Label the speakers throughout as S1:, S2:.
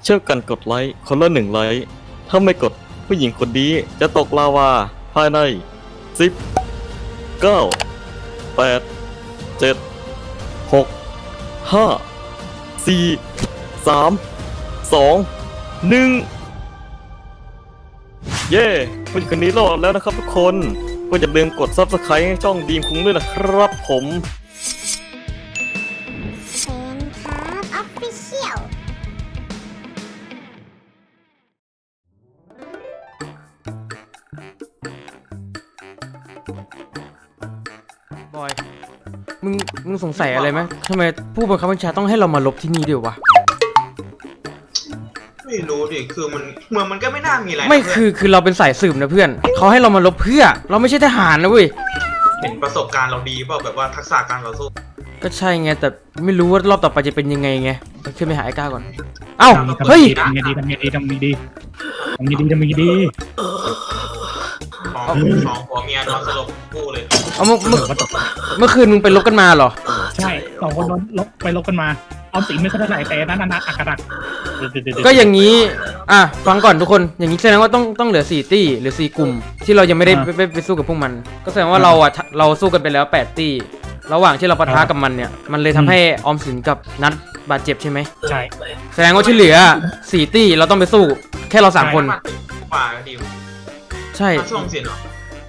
S1: เช่วยกันกดไลค์คนละ1 ไลค์ถ้าไม่กดผู้หญิงคนนี้จะตกลาวาภายใน10 9 8 7 6 5 4 3 2 1เย้ผู้หญิงคนนี้รอดแล้วนะครับทุกคนก็อย่าลืมกด Subscribe ให้ช่องดีมคุ้งด้วยนะครับผม
S2: เชนครับออฟฟิเชียล
S3: บอยมึงสงสัยอะไรไหมทำไมผู้บังคับบัญชาต้องให้เรามาลบที่นี่ด้วยวะ
S4: ไม่รู้ดิ คือมันเมืองมันก็ไม่น่ามีอะไรนะ
S3: ไม่
S4: เพื่น
S3: คือเราเป็นสายสืบนะเพื่อนเขาให้เรามาลบเพื่อเราไม่ใช่ทหารนะเว้ย
S4: เห็นประสบการณ์เราดีเปล่าแบบว่าทักษะการต่อสู้
S3: ก็ใช่ไงแต่ไม่รู้ว่ารอบต่อไปจะเป็นยังไงไงไปขึ้นไปหาไอ้ก้าก่อนเอ้าเฮ้ย
S5: ทำไงดีทำไงดีทำไงดีทำไงดีทำไงดี
S4: สองผัวเมียนอนสลบคู่เลย
S3: เอาเมื่อคืนมึงไปลบกันมาเหรอ
S5: ใช่สองคนโดนลบไปลบกันมาเอาสีไม่ค่อยเท่าไหร่แต่นั่นอักกระดัก
S3: ก็อย่างนี้ฟังก่อนทุกคนอย่างนี้แสดงว่าต้องเหลือ4ตี้หรือ4กลุ่มที่เรายังไม่ได้ไปสู้กับพวกมัน ก็แสดงว่าเราสู้กันไปแล้ว8ตี้ระหว่างที่เราปะทะกับมันเนี่ยมันเลยทำให้ออมสินกับนัทบาดเจ็บใช่ไหม
S5: ใช่
S3: แสดงว่าที่เหลือ4ตี้เราต้องไปสู้แค่เรา3คน
S4: ป่าก็ดี
S3: ใช่
S4: ช่วงเสียเนาะ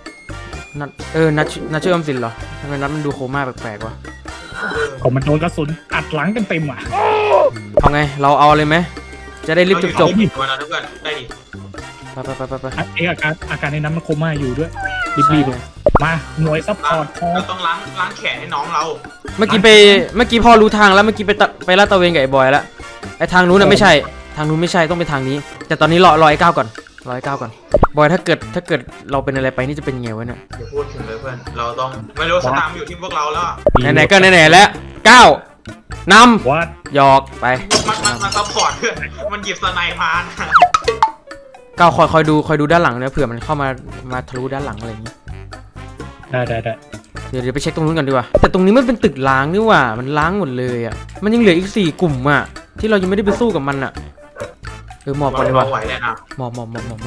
S3: นัทชื่อออมสินเหรอทำไมนัทมันดูโคม่าแปลกๆวะ
S5: ผมมันโดนกระสุนอัดหลังเต็มอ่ะ
S3: เอาไงเราเอาเลยไหมจะได้รีบจบ
S4: วันนั้นเพื่อนได้ดิ
S3: ไป
S5: อาการในนั้นมันโคม่าอยู่ด้วยรีบๆมาหน่วยซัพพอร์ตพอ
S4: เราต้องล้างแขนให้น้องเรา
S3: เมื่อกี้พอรู้ทางแล้วเมื่อกี้ไปลาดตระเวนกับไอ้บอยแล้วไอ้ทางนู้นน่ะไม่ใช่ทางนู้นไม่ใช่ต้องไปทางนี้ แต่ตอนนี้รอไอ้ก้าวก่อนบอยถ้าเกิดเราเป็นอะไรไปนี่จะเป็นยังไงวะเนี่ย
S4: อย่าพูดถึงเลยเพื่อนเราต้องไม่รู้สตามอยู่ที่พวกเราแล้ว
S3: ไหนๆก็ไหนๆแล้วก้าวน
S5: วัด
S3: ำหยอกไป
S4: มันซัพพอร์ตเพื่อนมันหยิบสไนป์มานะ
S3: ก้าวคอยดูด้านหลังนะเผื่อมันเข้ามาทะลุด้านหลังอะไรอย่างนี้
S5: ได้
S3: เดี๋ยวไปเช็คตรงนู้นกันดีกว่าแต่ตรงนี้มันเป็นตึกล้างนี่หว่ามันล้างหมดเลยอ่ะมันยังเหลืออีก4กลุ่มอ่ะที่เรายังไม่ได้ไปสู้กับมันอ่ะหมอบก่อนดีกว่า
S4: เราไหวเลยนะ
S3: หมอบ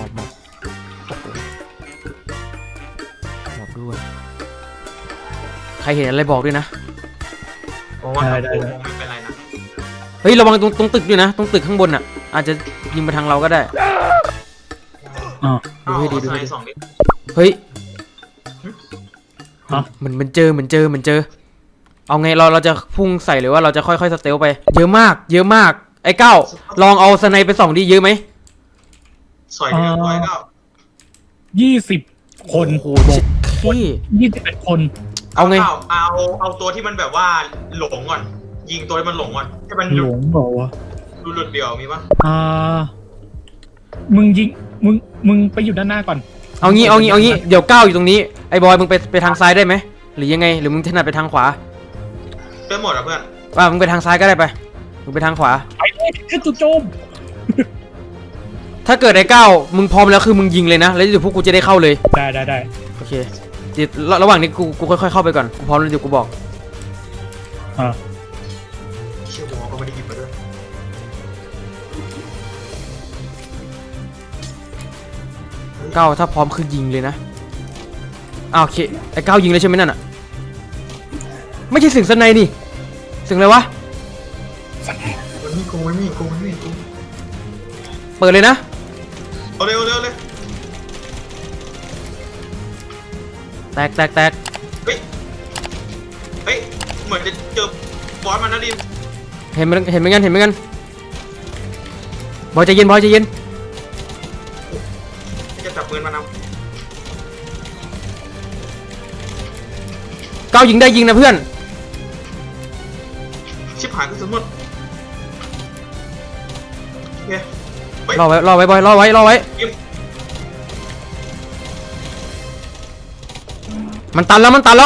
S3: ด้วยใครเห็นอะไรบอกด้วยนะ
S4: เพราะว่าคงไม่เป็นไรนะ
S3: เฮ้ยระวังตรงตึกด้วยนะตรงตึกข้างบนอ่ะอาจจะยิงมาทางเราก็ได้ ดูให้ดี
S4: สองดิ
S3: เฮ้ยมันเจอเอาไงเราจะพุ่งใส่หรือว่าเราจะค่อยๆสเตลไปเยอะมากไอ้ก้าวลองเอาสไนไปส่องดิเยอะไหม
S4: สอยเรียบร้อยก็
S5: 20 คน
S3: โอ้โหชิดขี้
S5: 21 คน
S3: เอาไง
S4: เอาตัวที่มันแบบว่าหลงก่อนยิงตัวที่มันหลงก่อนให้มัน
S5: หลงเหรอวะ
S4: ดูหลุดเดี่ยวมีปะ
S5: มึงยิงมึงไปอยู่ด้านหน้าก่อน
S3: เอางี้เดี๋ยวก้าวอยู่ตรงนี้ไอ้บอยมึงไปทางซ้ายได้ไหมหรือยังไงหรือมึงถนัดไปทางขวา
S4: ได้หมดอ่ะเพื่อน
S3: มึงไปทางซ้ายก็ได้ไปมึงไปทางขวา
S5: ไปเลยขึ้นจุดโจม
S3: ถ้าเกิดไอ้ก้าวมึงพร้อมแล้วคือมึงยิงเลยนะแล้วเดี๋ยวพวกกูจะได้เข้าเลย
S5: ได้
S3: โอเคเดี๋ยวระหว่างนี้กูค่อยๆเข้าไปก่อนกูพร้อมแล้วเดี๋ยวกูบอก
S4: เชื่อหัวก็ไม่ได้หยิบมาด้วย
S3: ก้าวถ้าพร้อมคือยิงเลยนะโอเคไอ้ก้าวยิงเลยใช่ไหมนั่นอ่ะไม่ใช่เสียงสไนนี่เสียงอะไรวะ
S4: มันมีกูไม่มีกู
S3: เปิดเลยนะ
S4: เอาเร็วเลย
S3: แตก
S4: เฮ้ยเหมือนจะเจอบอสมันนะดิม
S3: เห็นเหมือนกันบอยใจเย็น
S4: จะจับปืนมันเอา
S3: ก้าวยิงได้ยิงนะเพื่อน
S4: ชิบหายกระสุนหมดโอเค
S3: รอไว้บอยรอไว้
S4: ยิง
S3: มันตันแล้ว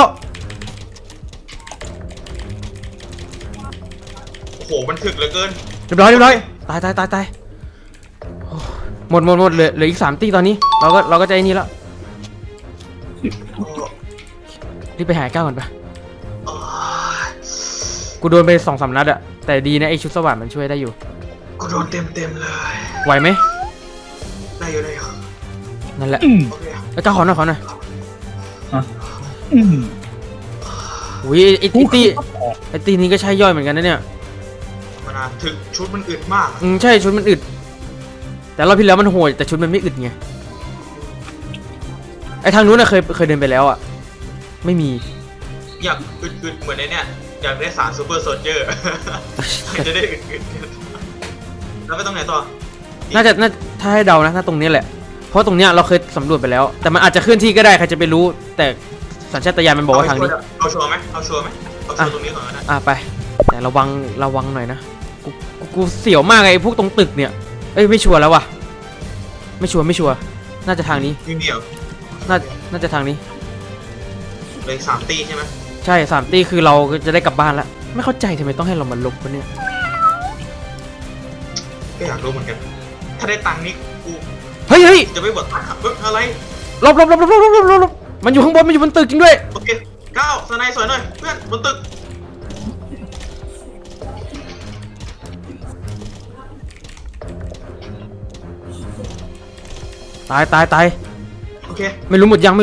S4: โอ้โหมันถึกเหลือเกิน
S3: เรียบร้อยตายโอ้หมดเหลืออีก3ตีตอนนี้เราก็ใจนี่แล้วรีบไปหาก้าวก่อนไปกูโดนไป2-3 นัดอะแต่ดีนะไอชุดสว่านมันช่วยได้อยู่
S4: กูโดนเต็มเลย
S3: ไหวไหม
S4: ได้อยู่ได้อยู่
S3: นั่นแหละ
S5: อืม
S4: โอเค
S3: ไอ้ก้าวขอหน่อยขอหน่อย
S5: อืม
S3: อุ้ยไอ้ตีนี้ก็ใช่ย่อยเหมือนกันนะเนี่ย
S4: มันถึงชุดมันอึดมาก
S3: ใช่ชุดมันอึด แต่รอบที่แล้วมันโหดแต่ชุดมันไม่อึดไงไอ้ทางนู้นน่ะเคยเดินไปแล้วอ่ะไม่มี
S4: อยากอึดเหมือนในเนี่ยอยากได้สารซูเปอร์โซลเจอร์ จะได้อึดแล้วไปตรงไหนต่อ
S3: น่าถ้าให้เดานะถ้าตรงนี้แหละเพราะตรงเนี้ยเราเคยสำรวจไปแล้ว แต่มันอาจจะเคลื่อนที่ก็ได้ใครจะไปรู้ แต่สัญชาตญาณมันบอกว่าทางนี้
S4: เอาชัวร์ไหมเอาชัวร์ตรงนี้ก่อนนะ
S3: ไปแต่ระวังหน่อยนะกูเสียวมากไอ้พวกตรงตึกเนี่ยเอ้ยไม่ชัวร์แล้วว่ะไม่ชัวร์น่าจะทางนี้
S4: มีเดียว
S3: น่าจะทางนี้
S4: เลย3 ตีใช่ไหม
S3: ใช่3 ตีคือเราจะได้กลับบ้านแล้วไม่เข้าใจทำไมต้องให้เรามาลบวะเนี่ย
S4: ก็อยากรู้เหมือนกัน ถ้าได้ตังค์นี่กู
S3: เฮ้ย
S4: จะไม่บดตังค์ครับอะไร
S3: ลบมันอยู่ข้างบนมันอยู่บนตึกจริงด้วย
S4: โอเคก้าวสไนสวยหน่อยเพื่อนบนตึก
S3: ตาย
S4: โอเค
S3: ไม่รู้หมดยัง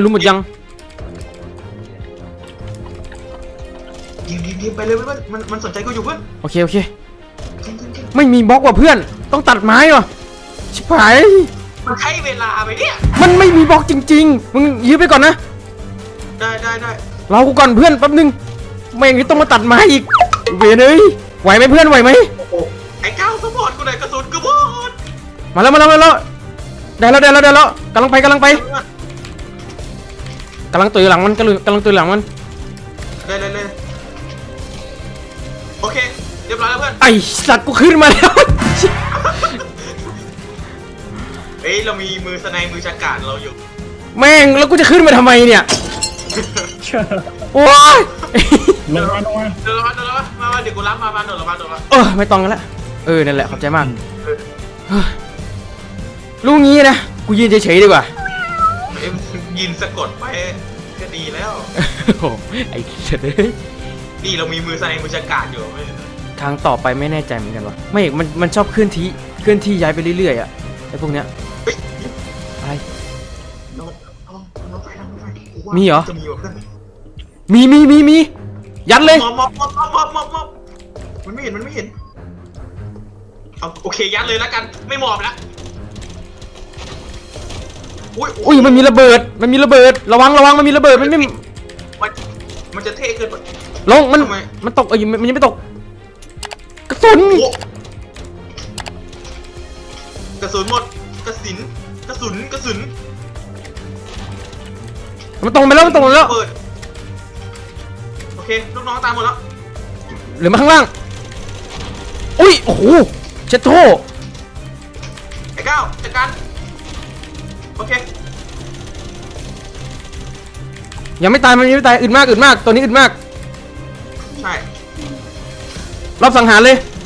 S4: ยิงไปเลยเพื่อนมันสนใจกูอยู่เพื่อน
S3: โอเค
S4: ยิง
S3: ไม่มีบล็อกว่ะเพื่อนต้องตัดไม้ว่ะชิบหาย
S4: มันใช้เวลาไปเนี่ย
S3: มันไม่มีบล็อกจริงๆมึงยื้อไปก่อนนะ
S4: ได้
S3: รอกูก่อนเพื่อนแป๊บนึงไม่อย่างนี้ต้องมาตัดไม้อีกเวรเอ้ยไหวไหมเพื่อนไหวไหม
S4: โอ้โหไอ้ก้าวสปอร์ตกูหน่อยกระสุนกระบอก
S3: มาแล้วได้แล้วกำลังไปกำลังตื่นหลังมัน
S4: เลยโอเคเรียบร้อยแล้วเพื่อน
S3: ไอสัตว์กูขึ้นมาแล้ว
S4: เฮ้ยเรามีมือสไนมือจักรานเราอยู่
S3: แม่งแล้วกูจะขึ้นมาทำไมเนี่ยโอ้ย
S5: ลงมา
S4: เดินมาเดี๋ยวกูรับมาเดินมา
S3: ไม่ต้องกันละนั่นแหละขอบใจมากรู้งี้นะกูยืนเฉยๆดีกว่า
S4: ยินสะกดไปก็ดีแล้ว
S3: โอ้ไอ้เฉย
S4: นี่เรามีมือสไนมือจักรานอยู่ไม่
S3: ทางต่อไปไม่แน่ใจเหมือนกันวะไม่มันชอบเคลื่อนที่ย้ายไปเรื่อยๆอ่ะไอ้พวกเนี้ย
S4: เฮ้ย
S3: อะไร
S4: น้องไฟ
S3: มีเหรอ
S4: จะมีว่ะเพื่อน
S3: มียัดเลย
S4: มอบมันไม่เห็นเอาโอเคยัดเลยแล้วกันไม่มอบแล้ว
S3: อุ้ยมันมีระเบิดระวังมันมีระเบิดมันไม่
S4: มันจะเท่เกินไป
S3: ลงมัน
S4: ทำไม
S3: มันตกมันยังไม่ตกกระสุน
S4: โอ้กระสุนหมดกระสุน
S3: มันตกไปแล้ว
S4: เปิดโอเคลูกน้องตามหมดแล้ว
S3: เหลือมาข้างล่างอุ้ยโอ้โหเช็ดโท
S4: ไอ้ก้าวจัดการโอเค
S3: ยังไม่ตายมันยังไม่ตายอึดมากตัวนี้อึดมาก
S4: ใช่
S3: รอบสังหารเลย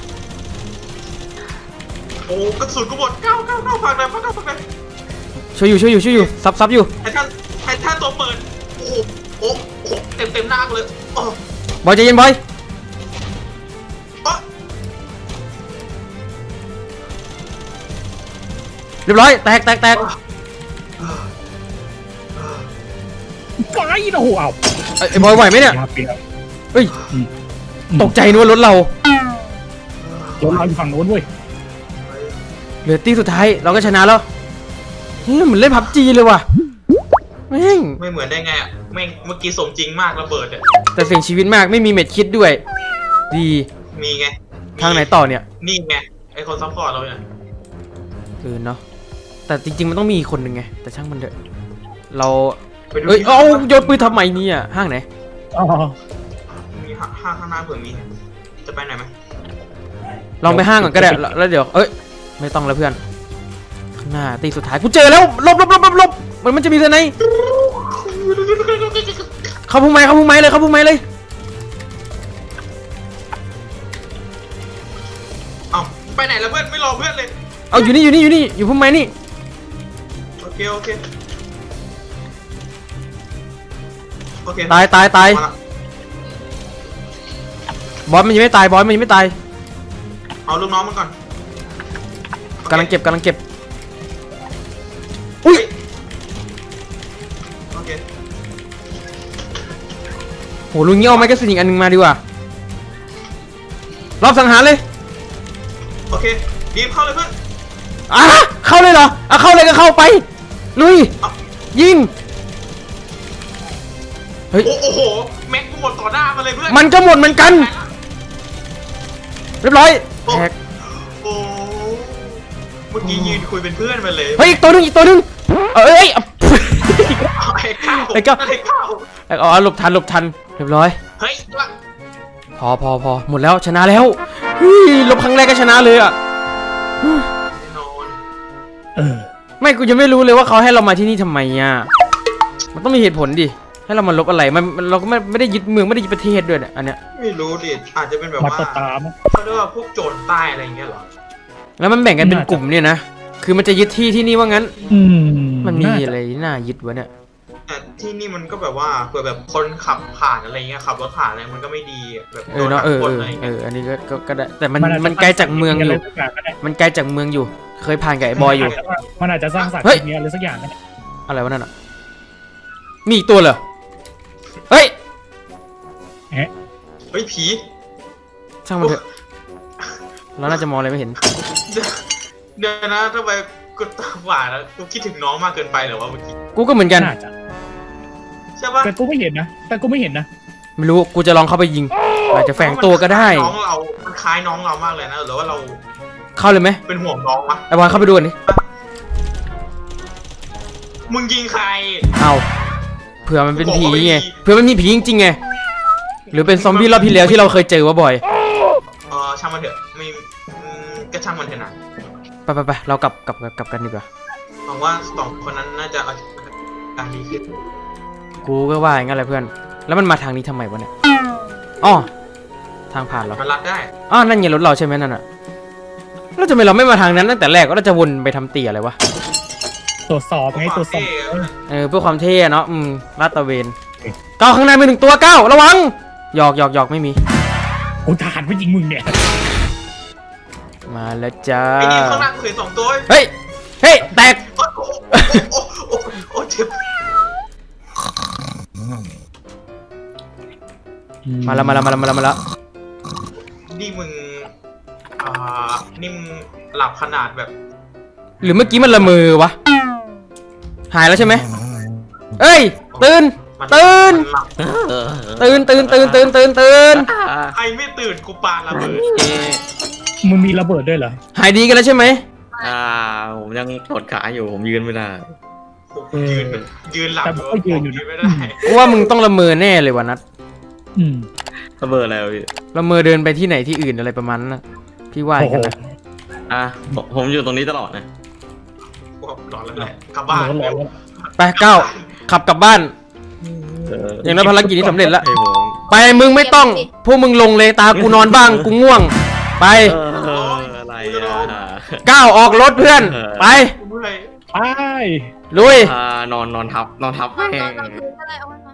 S4: โอ้กระสุนกูหมดก้าวฝากหน่อย
S3: ช่วยอยู่ซับอยู่
S4: ไอ้ท่านตัวเปิดโอ้โหเต็มหน้ากูเลยโอ้
S3: บอยใจเย็นบอยเรียบร้อยแตก
S5: ไฟโอ้โหเอา
S3: ไอ้บอยไหวไหมเนี่ย
S5: เปลี่ยน
S3: เฮ้ยตกใจนึกว่ารถเรา
S5: รถเราอยู่ฝั่งโน้นเว้ย
S3: เหลือตีสุดท้ายเราก็ชนะแล้วเฮ้ยเหมือนเล่นพับจีเลยว่ะแม่ง
S4: ไม่เหมือนได้ไงอ่ะแม่งเมื่อกี้สมจริงมากระเบิดอ่ะ
S3: แต่เสี่ยงชีวิตมากไม่มีเม็ดคิดด้วย ดี
S4: มีไง
S3: ทางไหนต่อเนี่ย
S4: นี่ไงไอคนซัพพอร์ตเราเนี่ย
S3: เนาะแต่จริงๆมันต้องมีอีกคนหนึ่งไงแต่ช่างมันเถอะเรา
S4: ไปดู
S3: เอาโยนปืนทำไมเนี่ยห้างไหน
S5: อ๋อ
S4: มีห้างข้างหน้าเผื่อมีจะไปไหนไหม
S3: ลองไปห้างก่อนก็ได้แล้วเดี๋ยวไม่ต้องแล้วเพื่อนข้างหน้าตีสุดท้ายกูเจอแล้วลบมันจะมีเท่าไหนเข้าพุ่งไม้เลย
S4: เอ้าไปไหนแล้วเพื่อนไม่รอเพื่อนเลย
S3: เอาอยู่นี่อยู่พุ่งไม้นี่
S4: โอเค
S3: ตาย
S4: มาละ
S3: บอสมันยังไม่ตาย
S4: เอาลูกน้องมันก่อน
S3: กำลังเก็บกำลังเก็บอุ้ย
S4: โอเค
S3: โหลุงเงี้ยเอาไม้กระสินอีกอันหนึงมาดีกว่ารอบสังหารเลย
S4: โอเคบีมเข้าเลยเพื่อน
S3: อ่ะเข้าเลยเหรออ่ะเข้าเลยก็เข้าไปลุยยิงเฮ้ย
S4: โอ้โหแม็กกูหมดต่อหน้ามาเลยเพื่อน
S3: มันก็หมดเหมือนกันเรียบร้อยแท็ก
S4: โอ้เมื่อกี้ยืนคุยเป็นเพื่อนมาเลย
S3: เฮ้ยอีกตัวหนึงอีกตัวหนึงเอ้ย
S4: ไอ้ข้าว
S3: ไอ้ข้าว
S4: ไอ้ข้าว
S3: อ๋อหลบทันหลบทันเรียบร้อย
S4: เฮ้ยละ
S3: พอหมดแล้วชนะแล้วเฮ้ยลบครั้งแรกก็ชนะเลยอ่ะ
S4: แน่นอน
S5: เออ
S3: ไม่กูจะไม่รู้เลยว่าเขาให้เรามาที่นี่ทำไมอ่ะมันต้องมีเหตุผลดิให้เรามาลบอะไรมันเราก็ไม่ได้ยึดเมืองไม่ได้ยึดประเทศด้วยเนี่ยอันเนี้ย
S4: ไม่รู้ดิอาจจะเป็นแบบ
S5: มา
S4: ว่า
S5: ตดตามง
S4: เขาเรียกว่าพวกโจรใต้อะไรอย่างเงี้ยเหรอ
S3: แล้วมันแบ่งกันเป็นกลุ่มเนี่ยนะคือมันจะยึดที่ที่นี่ว่างั้น
S5: อืม
S3: มันมี
S5: าจะ
S3: อะไรน่ายึดวะเนี่ย
S4: แต่ที่นี่มันก็แบบว่าเผื่อแบบคนขับผ่านอะไรเงี้ยขับรถผ่านอะไรมันก็ไม่ดีอะแบบ
S3: เออเนาะ
S4: โดนคนอะไรเงี้ย
S3: อันนี้ก็ได้แต่มัน
S5: อาจจะ
S3: มันไกลจากเมืองอยู่
S5: ะไรสักอย่างก็ได้
S3: มันไกลจากเมืองอยู่ เคยผ่านกับไอ้บอยอยู่
S5: มันอาจจะสร้างสรรค์
S3: เฮ้ย
S5: ทีนี้อะไรสักอย่างก็ได้
S3: อะไรวะนั่นอ่ะมีอีกตัวเหรอเฮ้ย
S5: เอ๊ะ
S4: เฮ้ยผี
S3: ช่างมันเถอะเราน่าจะมองอะไรไม่เห็น
S4: เดี๋ยวนะทำไมกูตาหวานแล้วกูคิดถึงน้องมากเกินไปเหรอวะเมื่อกี้
S3: กูก็เหมือนกัน
S5: น่าจะ
S4: ใช่ปะ
S5: แต่กูไม่เห็นนะ
S3: ไม่รู้กูจะลองเข้าไปยิงอาจจะแฝงตัวก็ได้
S4: น้องเรามันคล้ายน้องเรามากเลยนะหรือว่าเรา
S3: เข้าเลยไหม
S4: เป็นห่วงน้องวะ
S3: ไอ้บอยเข้าไปดูก่อนดิ
S4: มึงยิงใคร
S3: เอาเผื่อมันเป็นผีไง
S4: บอกว่าไม่มี
S3: เผื่อมันมีผีจริงๆไงหรือเป็นซอมบี้รอบที่แล้วที่เราเคยเจอวะบอย
S4: ช่างมันเถอะไม่ก็ช่างมันเถอะนะ
S3: ไปเรากลับกันดีกว่า
S4: หวังว่าสองคนนั้นน่าจะเอาการดีขึ้น
S3: กูก็ว่าอย่างนั้นแหละเพื่อนแล้วมันมาทางนี้ทำไมวะเนี่ยอ๋อทางผ่านเหรอ
S4: มันรัดได้
S3: อ๋อนั่นไงรถเราใช่ไหมนั่นอ่ะแล้วทำไมเราไม่มาทางนั้นตั้งแต่แรกก็เราจะวนไปทำเตี่ยอะไรวะ
S5: ตรวจสอบไงตรวจสอบ
S3: เพื่อความเท่อะเนาะลาดตระเวนก้าวข้างในมีหนึ่งตัวก้าวระวังหยอกไม่มี
S5: กูทหารผู้หญิงมึงเนี่ย
S3: มาแล้วจ้า
S4: ไอ้นี่ข้างหน้ากูเห็นสองตัว
S3: เฮ้ยแตก
S4: โอ้โอ้เจ็บ
S3: มาแล้ว
S4: นี่มึงนี่มึงหลับขนาดแบบ
S3: หรือเมื่อกี้มันละเมอวะหายแล้วใช่ไหมเอ้ยตื่น
S4: มัน
S3: ตื่น
S4: หลับ
S3: ตื่น
S4: ใครไม่ตื่นกูปาระเบิด
S5: มึงมีระเบิดด้วยเหรอ
S3: หายดีกันแล้วใช่ไหม
S1: ผมยังปวดขาอยู่ผมยืนไม่ได้
S4: ยืนหลับ
S5: แต่ผมก็ยืนอยู่
S4: ยืนไม่ได้
S3: กูว่ามึงต้องละเมอแน่เลยวะนัท
S5: อืม
S1: ระเบิดอะไรวะพี่
S3: ละเมอเดินไปที่ไหนที่อื่นอะไรประมาณนั้นนะพี่ว่าอย่างนั้นนะ
S1: ผมอยู่ตรงนี้ตลอดนะ
S4: กูหลอนแล้วแหละกลับบ้าน
S5: ร้อน
S3: ไปก้าวขับกลับบ้าน อย่างนั้นภารกิจนี้สำเร็จแล้ว
S1: ให้ผม
S3: ไปมึงไม่ต้องพวกมึงลงเลยตากูนอนบ้างกูง่วง ไป
S1: อะไรอ่ะ
S3: ก้าวออกรถเพื่อน ไป
S4: กูเมื่อย
S5: ไป
S3: ลุย
S1: นอนทับแม่ง
S2: กลางคืนก็เลยเอาไว้